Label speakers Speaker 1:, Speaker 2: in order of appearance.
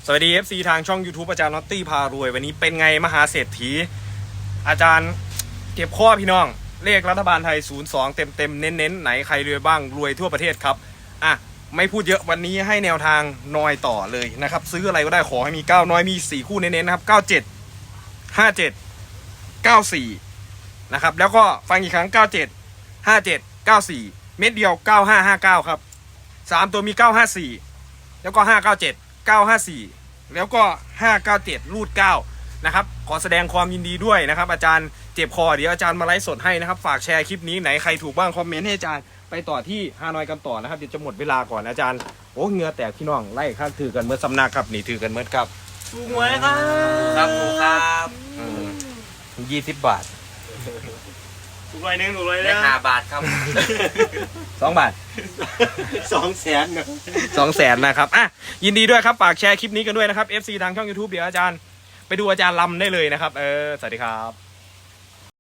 Speaker 1: สวัสดี FC ทางช่อง YouTube อาจารย์น็อตตี้พารวยวันนี้เป็นไงมหาเศรษฐีอาจารย์เก็บข้อพี่น้องเลขรัฐบาลไทย02เต็มเน้นไหนใครรวยบ้างรวยทั่วประเทศครับไม่พูดเยอะวันนี้ให้แนวทางนอยต่อเลยนะครับซื้ออะไรก็ได้ขอให้มี9น้อยมี4คู่เน้นๆนะครับ97 57 94นะครับแล้วก็ฟังอีกครั้ง97 57 94เม็ดเดียว9559ครับ3ตัวมี954แล้วก็597 954แล้วก็597รูด9นะครับขอแสดงความยินดีด้วยนะครับอาจารย์เจ็บคอเดี๋ยวอาจารย์มาไลฟ์สดให้นะครับฝากแชร์คลิปนี้ไหนใครถูกบ้างคอมเมนต์ให้อาจารย์ไปต่อที่ฮานอยกันต่อนะครับเดี๋ยวจะหมดเวลาก่อนอาจารย์โอ้เหงื่อแตกพี่น้องไล่ข้างถือกันเมื่อสำนักครับนี่ถือกันเมื่อครับ
Speaker 2: ถูกหวยครับครับถูกครับ
Speaker 1: 20 บาท
Speaker 2: ถูกร้อยหนึ่งถูกร้อย
Speaker 3: ได้5 บาทครับ
Speaker 1: 2 บาท
Speaker 2: 200,000นะ
Speaker 1: 200,000นะครับยินดีด้วยครับฝากแชร์คลิปนี้กันด้วยนะครับ FC ทางช่อง YouTube เดี๋ยวอาจารย์ไปดูอาจารย์ลำได้เลยนะครับสวัสดีครับ